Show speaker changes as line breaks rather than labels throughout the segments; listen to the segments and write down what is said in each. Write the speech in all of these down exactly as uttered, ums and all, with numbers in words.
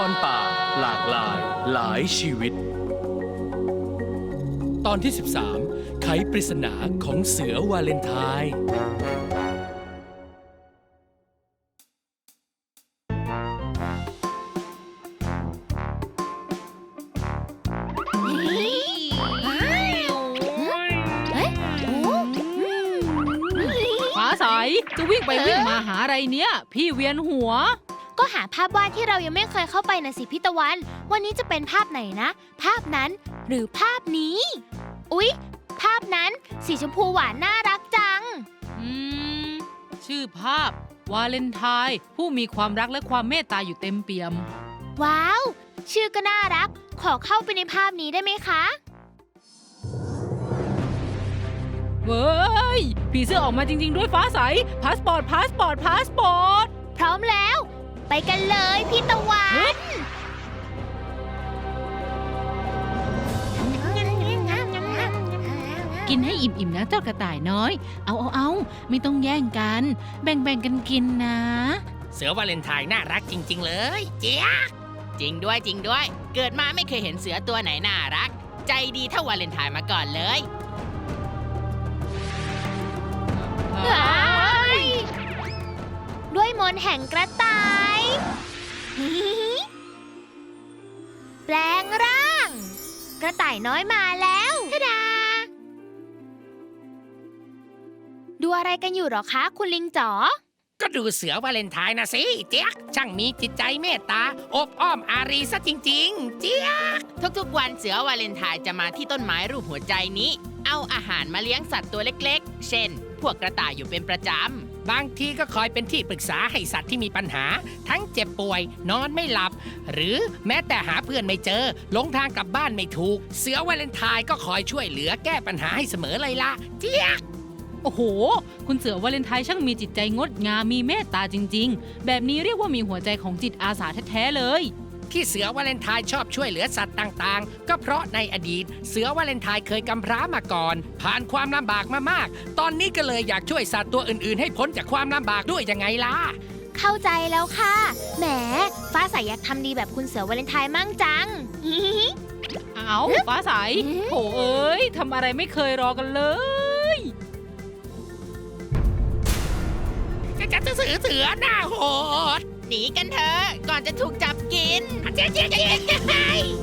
รป่าหลากหลายหลายชีวิต ตอนที่สิบสามไขปริศนาของเสือวาเลนไทน์
ฟ้าใสจะวิ่งไปวิ่งมาหาอะไรเนี่ยพี่เวียนหัว
ก็หาภาพวาดที่เรายังไม่เคยเข้าไปนะสิพี่ตะวันวันนี้จะเป็นภาพไหนนะภาพนั้นหรือภาพนี้อุ๊ยภาพนั้นสีชมพูหวานน่ารักจัง
อืมชื่อภาพวาเลนไทน์ผู้มีความรักและความเมตตาอยู่เต็มเปี่ยม
ว้าวชื่อก็น่ารักขอเข้าไปในภาพนี้ได้ไหมคะ
เว้ยผีเสื้อออกมาจริงๆด้วยฟ้าใสพาสปอร์ตพาสปอร์ตพาสปอร์ต
พร้อมแล้วไปกันเลยพี่ตะวัน
กินให้อิ่มๆนะเจ้ากระต่ายน้อยเอาเอาเอาไม่ต้องแย่งกันแบ่งๆกันกินนะ
เสือวาเลนไทน์น่ารักจริงๆเลยเจี๊ยกจริงด้วยจริงด้วยเกิดมาไม่เคยเห็นเสือตัวไหนน่ารักใจดีเท่าวาเลนไทน์มาก่อนเลย
ด้วยมนต์แห่งกระต่ายแปลงร่างกระต่ายน้อยมาแล้วทะดาดูอะไรกันอยู่หรอคะคุณลิงจ๋อ
ก็ดูเสือวาเลนไทน์นะสิเจี๊ยกช่างมีจิตใจเมตตาอบอ้อมอารีซะจริงๆเจี๊ยกทุกๆวันเสือวาเลนไทน์จะมาที่ต้นไม้รูปหัวใจนี้เอาอาหารมาเลี้ยงสัตว์ตัวเล็กๆเช่นพวกกระต่ายอยู่เป็นประจำบางทีก็คอยเป็นที่ปรึกษาให้สัตว์ที่มีปัญหาทั้งเจ็บป่วยนอนไม่หลับหรือแม้แต่หาเพื่อนไม่เจอหลงทางกลับบ้านไม่ถูกเสือวาเลนไทน์ก็คอยช่วยเหลือแก้ปัญหาให้เสมอเลยล่ะเจี๊ยก
โอ้โหคุณเสือวาเลนไทน์ช่างมีจิตใจงดงามมีเมตตาจริงๆแบบนี้เรียกว่ามีหัวใจของจิตอาสาแท้ๆเลย
ที่เสือวาเลนไทน์ชอบช่วยเหลือสัตว์ต่างๆก็เพราะในอดีตเสือวาเลนไทน์เคยกำพร้ามาก่อนผ่านความลำบากมามากตอนนี้ก็เลยอยากช่วยสัตว์ตัวอื่นๆให้พ้นจากความลำบากด้วยยังไงล่ะ
เข้าใจแล้วค่ะแหมฟ้าใสอยากทำดีแบบคุณเสือวาเลนไทน์มั่งจัง
เอาฟ้าใสโถเอ้ยทำอะไรไม่เคยรอกันเลย
จะจะเสือเสือหน้าโหดหนีกันเถอะก่อนจะถูกจับกินเจ๊เจ๊เจ๊เจ๊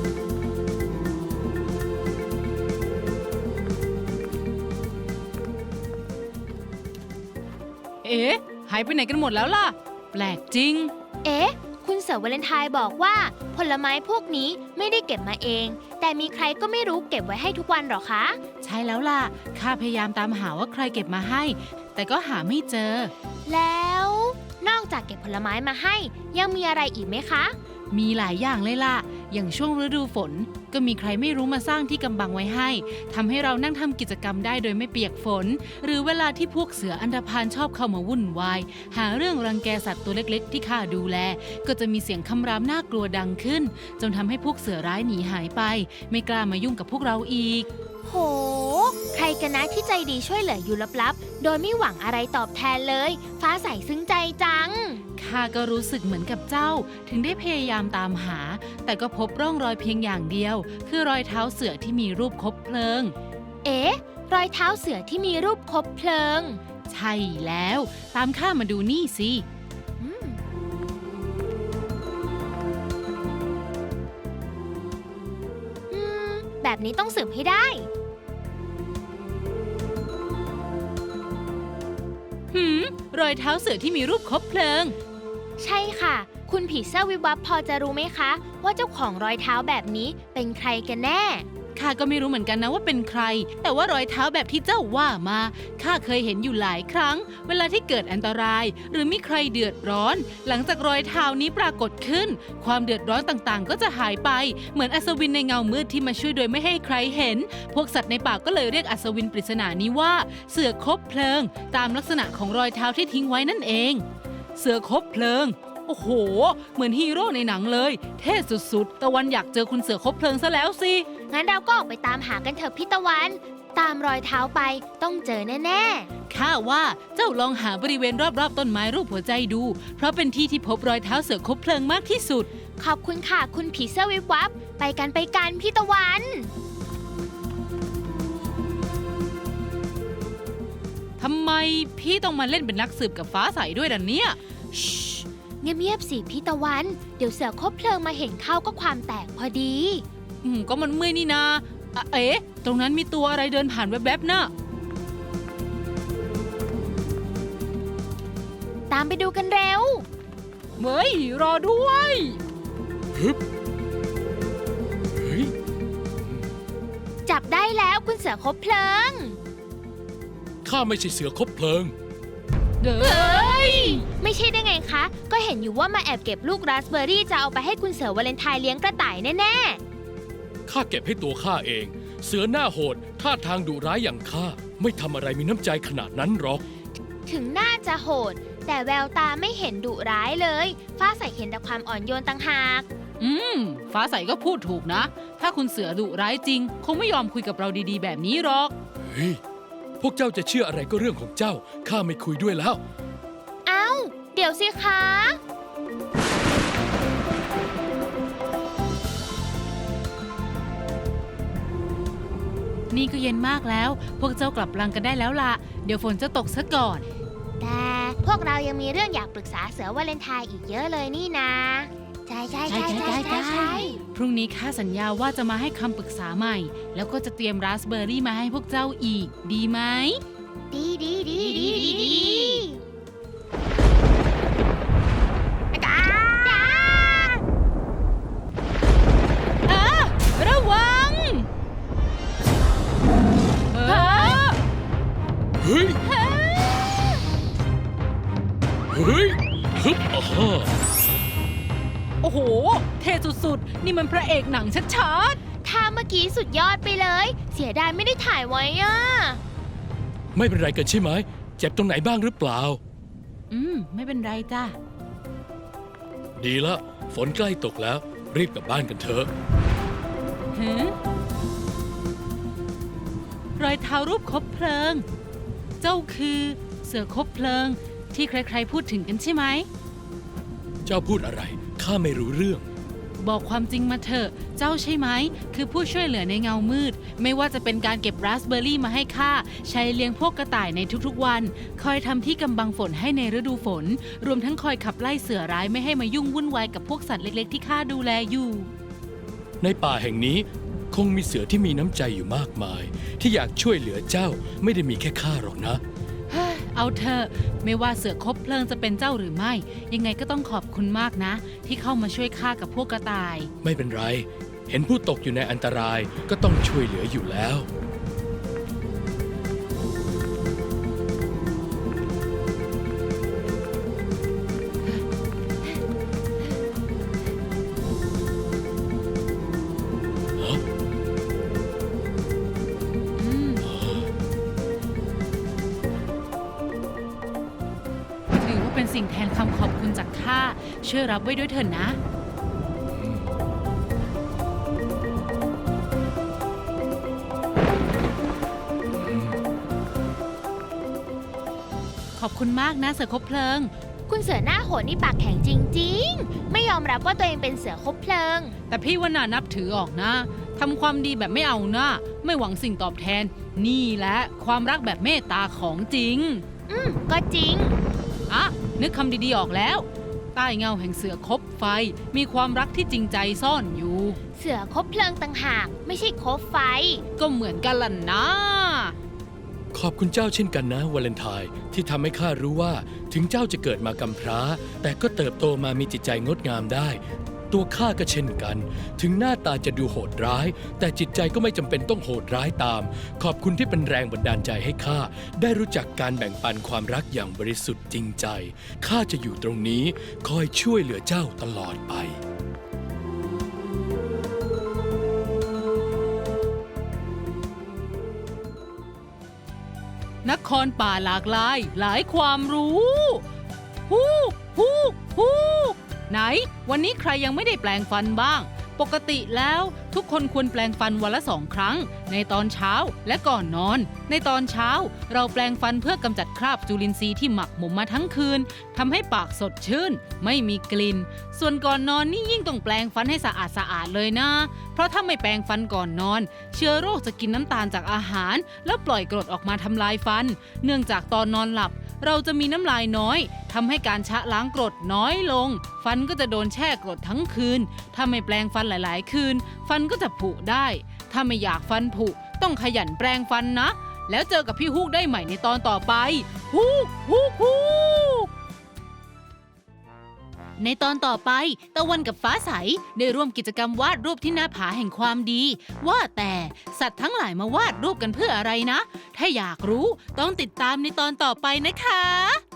เอ๊ะหายไปไหนกันหมดแล้วล่ะแปลกจริง
เอ๊ะคุณเสือวาเลนไทน์บอกว่าผลไม้พวกนี้ไม่ได้เก็บมาเองแต่มีใครก็ไม่รู้เก็บไว้ให้ทุกวันหรอคะ
ใช่แล้วล่ะข้าพยายามตามหาว่าใครเก็บมาให้แต่ก็หาไม่เจอ
แล้วนอกจากเก็บผลไม้มาให้ยังมีอะไรอีกไหมคะ
มีหลายอย่างเลยล่ะอย่างช่วงฤดูฝนก็มีใครไม่รู้มาสร้างที่กำบังไว้ให้ทำให้เรานั่งทำกิจกรรมได้โดยไม่เปียกฝนหรือเวลาที่พวกเสืออันธพาลชอบเข้ามาวุ่นวายหาเรื่องรังแกสัตว์ตัวเล็กๆที่ข้าดูแลก็จะมีเสียงคำรามน่ากลัวดังขึ้นจนทำให้พวกเสือร้ายหนีหายไปไม่กล้ามายุ่งกับพวกเราอีก
โหใครกันนะที่ใจดีช่วยเหลืออยู่ลับๆโดยไม่หวังอะไรตอบแทนเลยฟ้าใสซึ้งใจจัง
ข้าก็รู้สึกเหมือนกับเจ้าถึงได้พยายามตามหาแต่ก็พบร่องรอยเพียงอย่างเดียวคือรอยเท้าเสือที่มีรูปคบเพลิง
เอ๊ะรอยเท้าเสือที่มีรูปคบเพลิง
ใช่แล้วตามข้ามาดูนี่สิ
แบบนี้ต้องสืบให้ได้
หืมรอยเท้าเสือที่มีรูปคบเพลิง
ใช่ค่ะคุณผีเสื้อวิบวับพอจะรู้ไหมคะว่าเจ้าของรอยเท้าแบบนี้เป็นใครกันแน่
ข้าก็ไม่รู้เหมือนกันนะว่าเป็นใครแต่ว่ารอยเท้าแบบที่เจ้าว่ามาข้าเคยเห็นอยู่หลายครั้งเวลาที่เกิดอันตรายหรือมีใครเดือดร้อนหลังจากรอยเท้านี้ปรากฏขึ้นความเดือดร้อนต่างๆก็จะหายไปเหมือนอัศวินในเงามืดที่มาช่วยโดยไม่ให้ใครเห็นพวกสัตว์ในป่าก็เลยเรียกอัศวินปริศนานี้ว่าเสือคบเพลิงตามลักษณะของรอยเท้าที่ทิ้งไว้นั่นเองเสือคบเพลิงโอ้โหเหมือนฮีโร่ในหนังเลยเท่สุดๆตะวันอยากเจอคุณเสือคบเพลิงซะแล้วสิ
งั้นเราก็ออกไปตามหากันเถอะพี่ตะวันตามรอยเท้าไปต้องเจอแน่ๆ
ข้าว่าเจ้าลองหาบริเวณรอบๆต้นไม้รูปหัวใจดูเพราะเป็นที่ที่พบรอยเท้าเสือคบเพลิงมากที่สุด
ขอบคุณค่ะคุณผีเสื้อวิบวับไปกันไปกันพี่ตะวัน
ทำไมพี่ต้องมาเล่นเป็นนักสืบกับฟ้าใสด้วยล่ะเนี่ย
เงียบๆสิพี่ตะวันเดี๋ยวเสือคบเพลิงมาเห็นเข้าก็ความแตกพอดี
อืมก็มันเมื่อยนี่นาอ่ะเอ๊ะตรงนั้นมีตัวอะไรเดินผ่านแวบๆน่ะ
ตามไปดูกันเร็ว
เฮ้ยรอด้วย
ฮึบเฮ้ย
จับได้แล้วคุณเสือคบเพลิง
ข้าไม่ใช่เสือคบเพลิง
เด้
เฮ
อ้
ย ไม่ใช่ได้ไงคะ ก็เห็นอยู่ว่ามาแอบเก็บลูกราสเบอร์รี่จะเอาไปให้คุณเสือวาเลนไทน์เลี้ยงกระต่ายแน่
ข้าเก็บให้ตัวข้าเอง เสือหน้าโหดท่าทางดุร้ายอย่างข้าไม่ทำอะไรมีน้ำใจขนาดนั้นหรอก
ๆ ถึงน่าจะโหด แต่แววตาไม่เห็นดุร้ายเลย ฟ้าใสเห็นแต่ความอ่อนโยนต่างหาก
อืม ฟ้าใสก็พูดถูกนะ ถ้าคุณเสือดุร้ายจริง คงไม่ยอมคุยกับเราดีๆ แบบนี้หรอก
เฮ้ย พวกเจ้าจะเชื่ออะไรก็เรื่องของเจ้า ข้าไม่คุยด้วยแล้ว
เอ้า เดี๋ยวสิคะ
นี่ก็เย็นมากแล้ว พวกเจ้ากลับรังกันได้แล้วล่ะ เดี๋ยวฝนจะตกซะก่อน
แต่พวกเรายังมีเรื่องอยากปรึกษาเสือวาเลนไทน์อีกเยอะเลยนี่นะ ใช่ใช่ใช่ใช่ใช่ใช่
พรุ่งนี้ข้าสัญญาว่าจะมาให้คำปรึกษาใหม่ แล้วก็จะเตรียมราสเบอร์รี่มาให้พวกเจ้าอีก ดีไหม
ดีดีดีดีดีดีจ้าจ้า
อ่ะระวังเออ
เฮ้ย เฮ้ยฮึบอ่าฮะ
โอ้โห เท่สุดๆ นี่มันพระเอกหนังชัด
ท่าเมื่อกี้สุดยอดไปเลย เสียดายไม่ได้ถ่ายไว้อ่ะ
ไม่เป็นไรกันใช่ไหม เจ็บตรงไหนบ้างหรือเปล่า
ๆ อืม ไม่เป็นไรจ้ะ
ดีละ ฝนใกล้ตกแล้ว รีบกลับบ้านกันเถอะ
หือรอยเท้ารูปคบเพลิง เจ้าคือเสือคบเพลิง ที่ใครๆพูดถึงกันใช่ไหม
เจ้าพูดอะไร ข้าไม่รู้เรื่อง
บอกความจริงมาเถอะ เจ้าใช่ไหม คือผู้ช่วยเหลือในเงามืด ไม่ว่าจะเป็นการเก็บราสเบอร์รี่มาให้ข้า ใช้เลี้ยงพวกกระต่ายในทุกๆวัน คอยทำที่กำบังฝนให้ในฤดูฝน รวมทั้งคอยขับไล่เสือร้ายไม่ให้มายุ่งวุ่นวายกับพวกสัตว์เล็กๆที่ข้าดูแลอยู่
ในป่าแห่งนี้คงมีเสือที่มีน้ำใจอยู่มากมาย ที่อยากช่วยเหลือเจ้าไม่ได้มีแค่ข้าหรอกนะ
เฮ้ยเอาเถอะไม่ว่าเสือคบเพลิงจะเป็นเจ้าหรือไม่ ยังไงก็ต้องขอบคุณมากนะ ที่เข้ามาช่วยข้ากับพวกกระต่าย
ไม่เป็นไร เห็นผู้ตกอยู่ในอันตรายก็ต้องช่วยเหลืออยู่แล้ว
อืมถือว่าเป็นสิ่งแทนคำขอบคุณจากข้าช่วยรับไว้ด้วยเถิดนะ ขอบคุณมากนะเสือคบเพลิง
คุณเสือหน้าโหดนี่ปากแข็งจริงๆ ไม่ยอมรับว่าตัวเองเป็นเสือคบเพลิง
แต่พี่ว่าน่านับถือออกนะทำความดีแบบไม่เอาหน้า ไม่หวังสิ่งตอบแทน นี่แหละความรักแบบเมตตาของจริง
อืม ก็จริง
อ่ะ นึกคำดีๆออกแล้ว ใต้เงาแห่งเสือคบไฟ มีความรักที่จริงใจซ่อนอยู่
เสือคบเพลิงต่างหาก ไม่ใช่คบไฟ
ก็เหมือนกันล่ะนะ
ขอบคุณเจ้าเช่นกันนะวาเลนไทน์ที่ทำให้ข้ารู้ว่าถึงเจ้าจะเกิดมากำพร้า แต่ก็เติบโตมามีจิตใจงดงามได้ ตัวข้าก็เช่นกัน ถึงหน้าตาจะดูโหดร้าย แต่จิตใจก็ไม่จำเป็นต้องโหดร้ายตาม ขอบคุณที่เป็นแรงบันดาลใจให้ข้าได้รู้จักการแบ่งปันความรักอย่างบริสุทธิ์จริงใจข้าจะอยู่ตรงนี้คอยช่วยเหลือเจ้าตลอดไป
นครป่าหลากหลาย หลายความรู้ฮู้ฮู้ฮู้ไหน วันนี้ใครยังไม่ได้แปลงฟันบ้างปกติแล้วทุกคนควรแปรงฟันวันละสองครั้งในตอนเช้าและก่อนนอนในตอนเช้าเราแปรงฟันเพื่อกำจัดคราบจุลินทรีย์ที่หมักหมมมาทั้งคืนทำให้ปากสดชื่นไม่มีกลิ่นส่วนก่อนนอนนี่ยิ่งต้องแปรงฟันให้สะอาดสะอาดเลยนะเพราะถ้าไม่แปรงฟันก่อนนอนเชื้อโรคจะกินน้ำตาลจากอาหารแล้วปล่อยกรดออกมาทำลายฟันเนื่องจากตอนนอนหลับเราจะมีน้ำลายน้อยทำให้การชะล้างกรดน้อยลงฟันก็จะโดนแช่กรดทั้งคืนถ้าไม่แปรงฟันหลายๆคืนฟันก็จะผุได้ถ้าไม่อยากฟันผุต้องขยันแปรงฟันนะแล้วเจอกับพี่ฮูกได้ใหม่ในตอนต่อไปฮูกฮูกฮูกในตอนต่อไปตะวันกับฟ้าใสได้ร่วมกิจกรรมวาดรูปที่หน้าผาแห่งความดีว่าแต่สัตว์ทั้งหลายมาวาดรูปกันเพื่ออะไรนะถ้าอยากรู้ต้องติดตามในตอนต่อไปนะคะ